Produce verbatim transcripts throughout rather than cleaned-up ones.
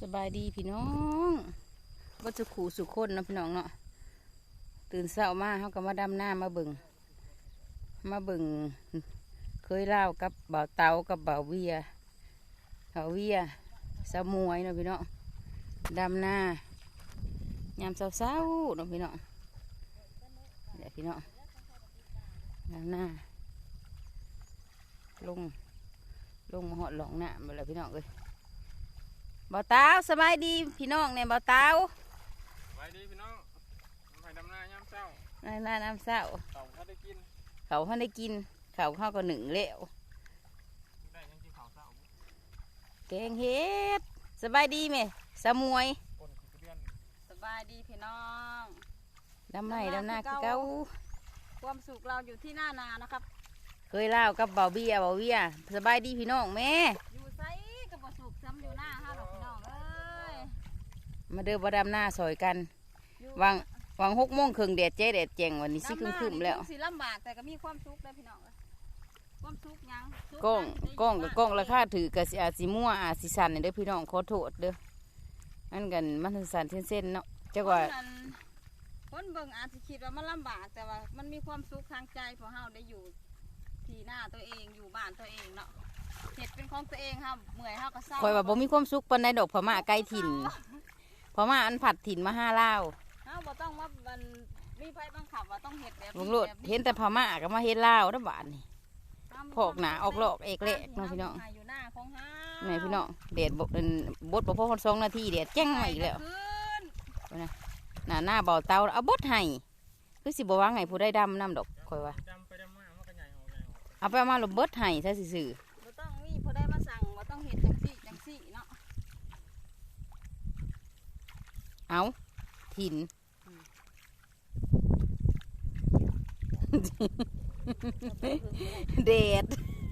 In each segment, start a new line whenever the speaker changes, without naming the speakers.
บายดีพี่น้องก็จะขู่สุขคนนะพี่น้องเนาะตื่นเช้ามาเขาก็มาดำหน้ามาเบิ่งมาเบิ่งเคยเล่ากับบ่าวเตากับบ่าวเวียบ่าวเวียสาวมวยเนาะพี่น้องดำหน้ายามเช้าๆเนาะพี่น้องเดี๋ยวพี่น้องดำหน้าลงลงมาหอดหลองหน้ามาแล้วพี่น้องเลยบ่าวเตาสบายดีพี่น้องเนี่ยบ่าวเตา
สบายดีพี่น้องไปดำนายามเช้า
น้ำหน้าน้ำเช้า
เขาเขาได้กิน
เขาเขาได้กินเขาเข้าก็หนึ่งเล้ว
ได้ยังกินข้าวเช้า
แกงเห็ดสบายดีไหมสามวย
คนคือเดือน
สบายดีพี่น้อง
ดำไหนดำหน้าคือเก้า
ความสุขเราอยู่ที่หน้านานะครับ
เคยเล่ากับเบาเบียเบาเบียสบายดีพี่น้องแม่
อยู่ไซกับบ่สุขซ้ำอยู่หน้าห้าดอกพี่น้องเอ้ย
มาเดินบ่ดำหน้าซอยกันวางวางหกโมงครึ่งแดดเจ๊แดดแจงวันนี้สิครึ่งครึ่งแล้ว
สิลำบากแต่ก็มีความสุขเลยพี่น้องความสุขยัง
กล้องกล้องกับกล้องราคาถือกับอาสิมั่วอาสิสันเด้อพี่น้องขอโทษเด้ออันกันมันสันเส้นๆเนาะจังว่า
คนเบิ่งอาจจะคิดว่ามันลำบากแต่ว่ามันมีความสุขทางใจเพราะเฮาได้อยู่ที่หน้าตัวเองอยู่บ้านตัวเองเนาะเห็ดเป็นของตัวเองครับเมื่อยเฮาก็เศร้า
คอยว่าบ่มีความสุขปานใดดอกพม่าใกล้ถิ่นพม่าอันผัดถิ่นมาห้าเล่า
เฮาบ่ต้องว่ามันมีไผบังคับว่าต้องเห็ดแบบ
นี้ลุงโลดเห็นแต่พม่าก็มาเฮ็ดเล่าแล้วบาดนี่พอกหนาออกหลอกเอกเละน้องพี่น้อง
อยู่หน้าของเฮา
แม่พี่น้องเด็ดบดบดบ่พอคนสองนาทีเด็ดแจ้งมาอีกแล้วนะหน้าหน้าเบาเตาเอาบดให้คือสิบ่ว่าไงผู้ได้ดำน้ำดอกคอยว่าเอาไปมาหลบเบิดให้ใช่สื่อ
บ่ต้องมีผู้ได้มาสั่งบ่ต้องเห็ดจังซี่จังซี่เนาะ
เอาถิ่นเด็ด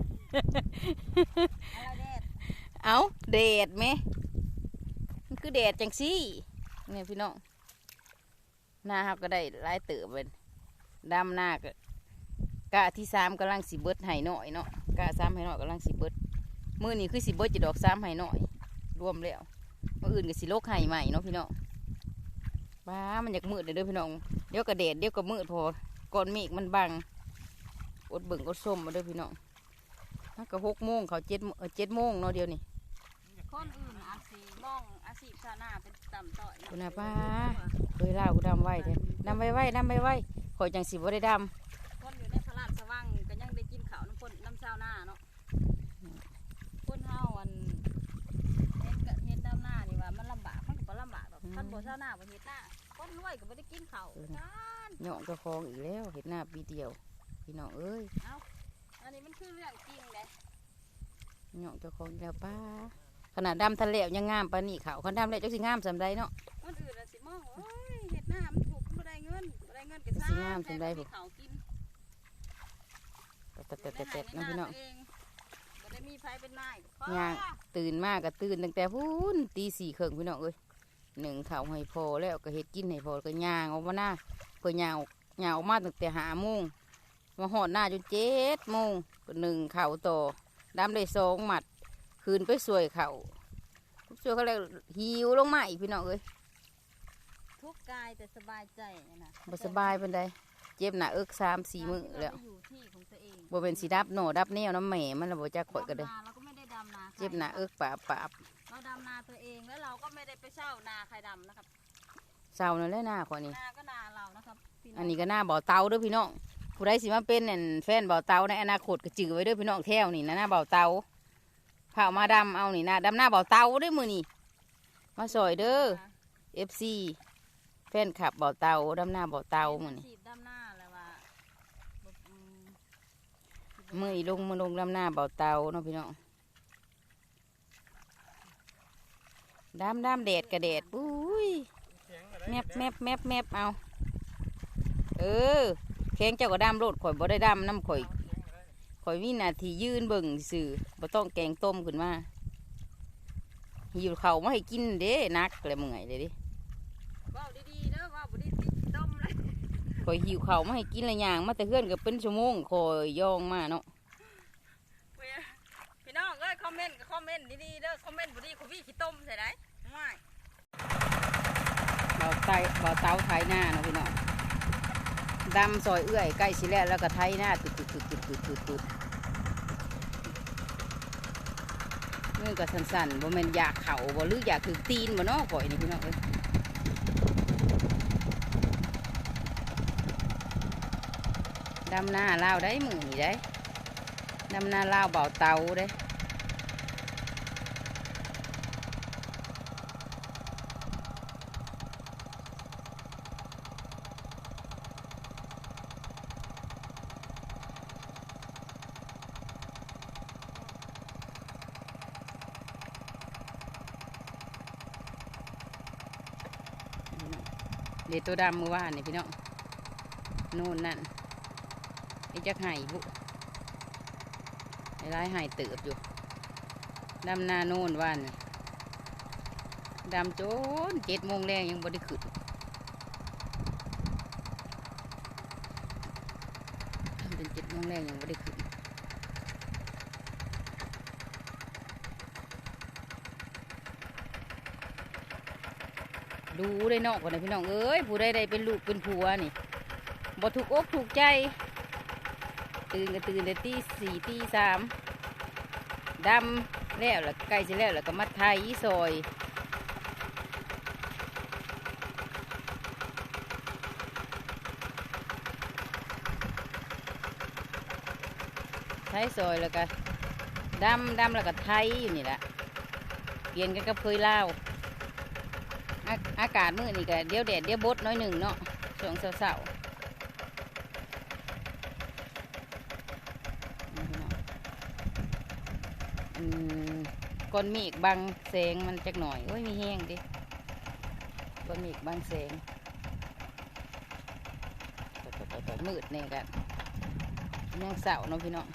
เอาเด็ดไหมมันคือเด็ดจังซี่เนี่ยพี่น้องหน้าเขาก็ได้หลายเติบเป็นดำหน้าก็กะที่สามกำลังสีเบิดไห่หน่อยเนาะกะสามไห่หน่อยกำลังสีเบิดมือนี้คือสีเบิดจะดอกสามไห่หน่อยรวมแล้วมืออื่นก็สีโลกไห่ใหม่เนาะพี่น้องบ้ามันอยากมืดเลยเด้อพี่น้องเดี๋ยวก็แดดเดี๋ยวก็มืดพอก้อนเมฆมันบังอดเบิ่งอดส้มมาเด้อพี่น้องมันก็หกโมงเขาเจ็ดเออเจ็ดโมงเนาะเดียวนี่
คนอื่นอาชีพมองอาชีพชาวนาเป็นต่ำต้อย
คุณอาป้าเคยเล่ากูดำไว้เด้ดำไว้ไว้ดำไว้ไว้ข่อยจังสิบ่ได้ด
ำคนอยู่ในพระราชวังก็ยังได้กินข้าวน้ำคนน้ำชาวนาเนาะคนเฮาวันเห็นกับเห็นดำหน้านี่ว่ามันลำบากมันก็บ่ลำบากหรอกท่านบ่ชาวนาบ่เฮ็ดหน้าคนรวยก็บ่ได้กินข้าวกัน
เหยาะกระคองอีกแล้วเห็ดหน้าปีเดียวพี่น้องเอ้ย
เอ้าอันนี้มันคือเรื่องจริงเลย
เหยาะกระคองแล้วป้าขนาดดำทะเลยังงามปานนี่เขาคนดำเลยจักสิงามสำไรเนาะ
คนอื่นสิมองโอ้ยเห็ดหน้ามันถูกบ่ได้เงินบ่ได้เงินก็ซ่า
งามสำไรผม
เขากิน
แต่แต่แต่แต่น้องพี่น้อง
บ่ได้มีไฟเป็นนาย
ย่างตื่นมากก็ตื่นตั้งแต่พูนตีสี่ครึ่งพี่น้องเอ้ยหนึ่งเขาให้พอแล้วก็เห็ดกินให้พอก็ย่างออกมาหน้าเพื่อย่างย่างออกมาตั้งแต่หาโมงมาหอดหน้าจนเจ็ดโมงก็หนึ่งเข่าต่อดำได้สองหมัดคืนไปสวยเข่าสวยเขาเลยหิวลงมาอีกพี่น้องเอ้ย
ทุกกายแต่สบายใจนะ
บ่สบายเป็นไดเจ็บหน้าเอิกสามสี่มื้อแล้วบ่เป็นสีดับโหนดับแนวน้ำแหม่มันระบบจะข่อยก็ได้เจ็บหน้าเอิกปาบปาบ
เราดำนาตัวเองแล้วเราก็ไม่ได้ไปเช่านาใครดำนะครับ
เช่านั่นแหละหน้าขวานี้
นาก็นาเรานะครับ
อันนี้ก็หน้าบ่อเตาเด้อพี่น้องผู้ใดสิมาเป็นเนี่ยแฟนบ่อเตาในอนาคตก็จือไว้เด้อพี่น้องแถวนี่นะหน้าบ่อเตาเผามาดำเอานี่นะดำหน้าบ่อเตาด้วยมือนี่มาสอยเด้อเอฟซีแฟนขับบ่อเตาดำหน้าบ่อเตามือนี่มือลงมือลงดำหน้าบ่อเตาเนาะพี่น้องดำดำแดดกระแดดปุ้ยแมบแมบแมบแมบเอาเออแข้งเจ้าก็ดำโลดข่อยบ่ได้ดำน้ำข่อยข่อยวินาทียืนเบิ่งสื่อบ่ต้องแกงต้มขึ้นมาหิวเข่ามาให้กินเด้นักเลยเมื่อยเลยดิ
ว้าวดีๆเด้อว้าวบ่ได้ติดต้มเลย
ข่อยหิวเข่ามาให้กินอะไรอย่างมาแต่เพื่อนก็เป็นชั่วโมงข่อยย่องมาเนาะ
พี่น้องเอ้ยคอมเมนต์ก็คอมเมนต์ดีๆเด้อคอมเมนต์บ่ดีข่อยวี่ขี้ต้มใส่ได้ง่าย
เบาไตเบาเต้าไทยหน้าเนาะพี่น้องดำซอยเอื้อยใกล้สิแล้วแล้วก็ไทยหน้าตุดตุดตุดตุดตุดตุดตุดเมื่อก็สั่นๆบ่แม่นอยากเข่าบ่หรืออยากถือตีนบ่เนาะก่อยนี่พี่น้องเอ้ยดำหน้าลาวได้มือนี่ได้ดำหน้าลาวเบาเตาได้เดี๋ยวตัวดำมือว่านนี่พี่น้องนู่นนั่นไอ้จักไห่บุไอ้ร้ายไห่เติบอยู่ดำนาโน่นว่านนี่ดำจนเจ็ดโมงแรงยังบ่ได้ขึ้นดำเป็นเจ็ดโมงแรงยังบ่ได้ขึ้นดูได้นอกก่อนนะพี่น้องเอ้ยผู้ใดได้เป็นลูกเป็นผัวนี่บ่ถูกอกถูกใจตื่นก็ตื่นแต่ตีสี่ตีสามดำแล้วแล้วใกล้จะแล้วแล้วก็มัดไทยซอยไทยซอยแล้วก็ดำดำแล้วก็ไทยอยู่นี่แหละเปลี่ยนกันกับเคยเล่าอากาศมื้อนี่ก็เดี๋ยวแดดเดี๋ยวบดน้อยหนึ่งเนาะช่วงเสาร์ก้อนเมฆบังแสงมันจักหน่อยโอ้ยมีแห้งดิก้อนเมฆบังแสงมืดเนี่ยกันยังเสาร์เนาะพี่น้อง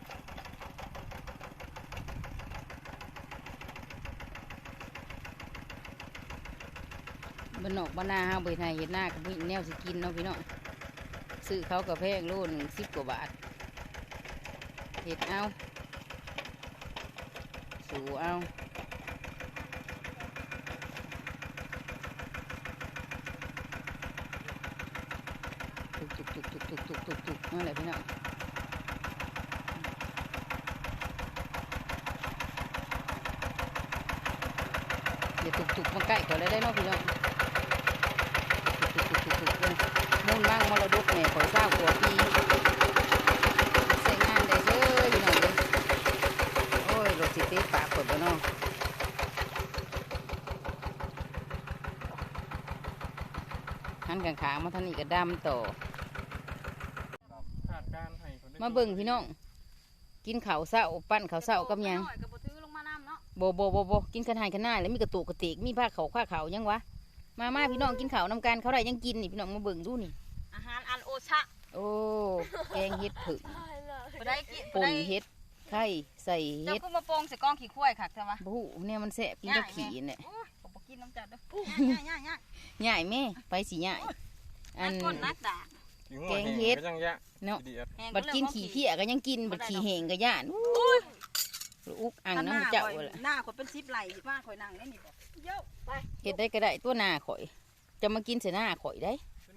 บนนอกบนนาห้าใบไทยเห็ดหน้ากับมีแนวสิกินเนาะพี่น้องซื้อเขากับแพงโลหนึ่งสิบกว่าบาทเห็ดเอาสูเอาตุกตุกตุกตุกตุกตุกตุกตุกนั่นแหละพี่น้องอย่าตุกตุกมาใกล้ก่อนเลยได้เนาะพี่น้องมุ่นบ้างมรดกเนี่ยขอเศร้าตัวปีใส่งานได้เลยพี่น้องเลยโอ้ยรถสิเตะปากเปิดบ่เนาะหันกลางขามาทางนี้ก็ดำต่อมาเบิ่งพี่น้องกินข้าวเศร้าปั้นข้าวเศร้ากับยังโบโบโบโบกินขนาดขนาดแล้วมีกระตุกกระติกมีผ้าเขาผ้าเขายังวะมามาพี่น้องกินข้าวนำกันเขาได้ยังกินนี่พี่น้องมาเบิ่งดูนี่
อาหารอันโอชะ
โอ้แกงเห็ดผึ่ง
ได้กิน
ป่นเห็ดไข่ใส่เห็ด
เจ้าก็มาโปงใส่กองขี้ข้วยค่ะใช่ไหม
บูเนี่ยมันแสบกินกับขี้เนี่ย
ผมบอกกินน้ำจัดด้วยง่ายง่ายง่าย
ง่ายแม่ไปสิง่าย
อันก้นนักด่า
แกงเห็ดเนาะบัดกินขี้เพี้ยก็ยังกินบัดขี้แห้งก็ย่านอุกอังน้ำเจ้าเลย
หน้าข่อยเป็นซิปไหลสิมาข่อยนั่งได้นี่บอกเยอะไป
เห็ดได้ก็ได้ตัวหน้าข่อยจะมากินเสหน้าข่อยได้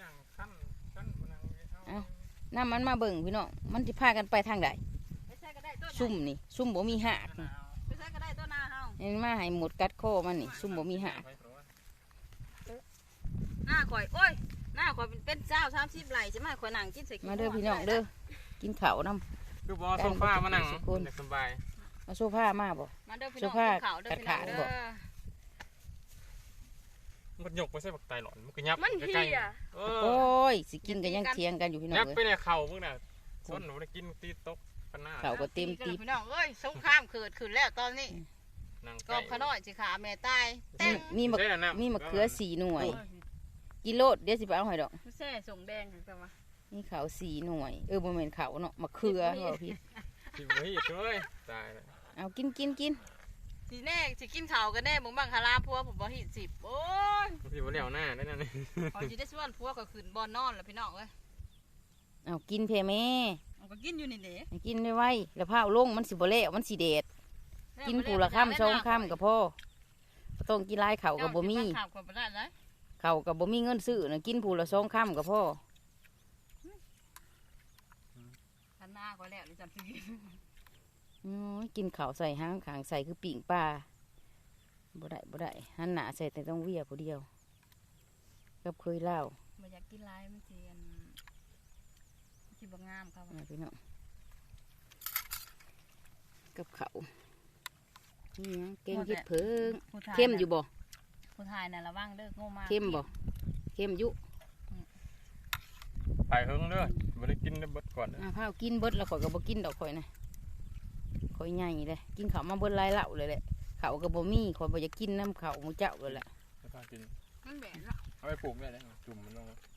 เอาน้ำมันมาเบิ่งพี่น้องมันจะพากันไปทางใดซุ่มนี่ซุ่มบ่มีหักนี่มาให้หมดกัดคอมันนี่ซุ่มบ่มีหัก
หน้าข่อยโอ้ยหน้าข่อยเป็นเจ้าสามซิปไหลใช่ไหมข่อยนั่งกินใส่
มาเด้อพี่น้องเด้อกินข้าวน้ำ
ดูบอโซฟามานั่งสบาย
มาโซฟามาบ่โซฟาขาดขาดบ่
มันหยกไปใส่บักไตหลอนมันก็ยับ
มันเหี้ย
โอ้ยสิกินกันยังเทียงกันอยู่พี่น้อง
ยับไปในเข่าพวกน่ะส้นหนูได้กินตีตกปันหน้า
เข่าก็เต็มตี
พี่น้องเอ้ยสงครามเกิดขึ้นแล้วตอนนี้กอบขน้อยสิขาแม่ตาย
มีมะมีมะเขือสี่หน่วยกิโลเดี๋ยวสิไปเอาหอยดอก
แซ่ส่งแดงจังวะ
นี่เขาสี่หน่วยเออบ่แม่นเขาเนาะมะเขือเหรอพี่
สิบ่เฮ็ดเลยตายแล้ว
เอากินกินกิน
สีแน่สิกินข้าวกันแน่มึงบังคาราพัวผมบ่หิสิบโอ้ย
สิบ่เลี้ยวหน้าได้นั่นนี่
พอสิได้ส่วนพัวก็ขึ้นบ่อนอนแล้วพี่น้องเอ้ย
เอากินเพแม่
เอาก็กินอยู่นี่เด้
กินไว้แล้วผ้าลงมันสิบ่แล้วมันสิเด็ดกินปูละค่ำสองค่ำกับพ่อต้องกินหลายข้าวก็บ่มี
ข่าวก็บ่ได้เลย
ข้าวก็บ่มีเงินซื้อน่ะกินผู้ละสองค่ำก็พอ
คันหน้าก็แล้วนี่จำสิ
โอ้ยกินข้าวใส่หางขางใส่คือปิ่งปลาบ่ได้บ่ได้หันหน้าใส่แต่ต้องเวียผู้เดียวกับเคยเล่า
บ่อยากกินหลายมันสิอันสิบ่งามครับ
อ่าพี่น้องกับเขาวนี่หยังเก่งเฮ็ดเพิงเข้มอยู่บ่
ผู้ชายน่ะระวังเด้อโง่มาก
เข้มบ่เข้มอยู่
ไปเฮิงเด้อบ่ได้กินได้เบิดก่อนเด้อ
อ่าข้าวกินเบิดแล้วข่อยก็บ่กินดอกข่อยนะข่อยใหญ่เลยกินข้าวมาเบิดหลายเหล่าเลยแหละข้าวก็บ่มีข่อยบ่อยากกินน้ำข้าวหมูเจ้าเลยแหละ
ไม่ต้องกิน
มันแบนละ
เอาไปปลูกได้เลยจุ่มมันลง